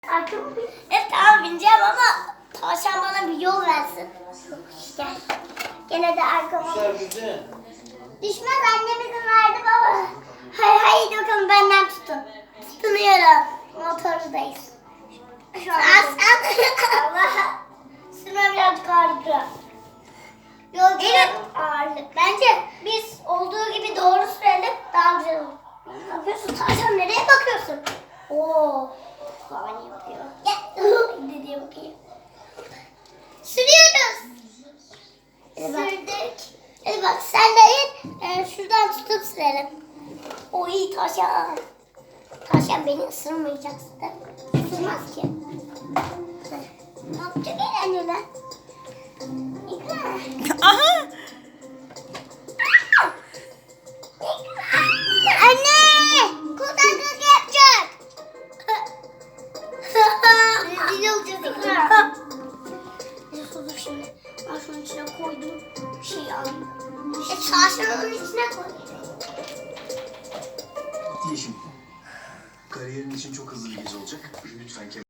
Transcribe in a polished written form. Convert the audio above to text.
Arkamı bin. Evet tamam bineceğim ama tavşan bana bir yol versin. Gel. Gene de arkama. Düşmez, annemizin verdi baba. Haydi bakalım benden tutun. Tutunuyorum. Motordayız. Şu an Allah. Sürme birazcık ağırlıklı. Yol evet. Ağırlık. Bence biz olduğu gibi doğru sürelim daha güzel olur. Ne yapıyorsun? Tavşan nereye bakıyorsun? Oo. Baba niye bakıyor? Gel. Dediye bakayım. Sürüyoruz. Sürdük. Hadi bak sen de in. Şuradan tutup sürelim. O iyi tavşan. Tavşan beni ısırmayacaksın da. Isırmaz ki. Ne yapacak eğlenceli? İkra. Aha! Anne! Kulaklık yapacak. Rezil olacağız İkra. Dur şimdi. Ben şunun içine koydum. Bir şey alayım. Çarşının içine koy. Yeşim, kariyerin için çok hızlı bir gece olacak. Lütfen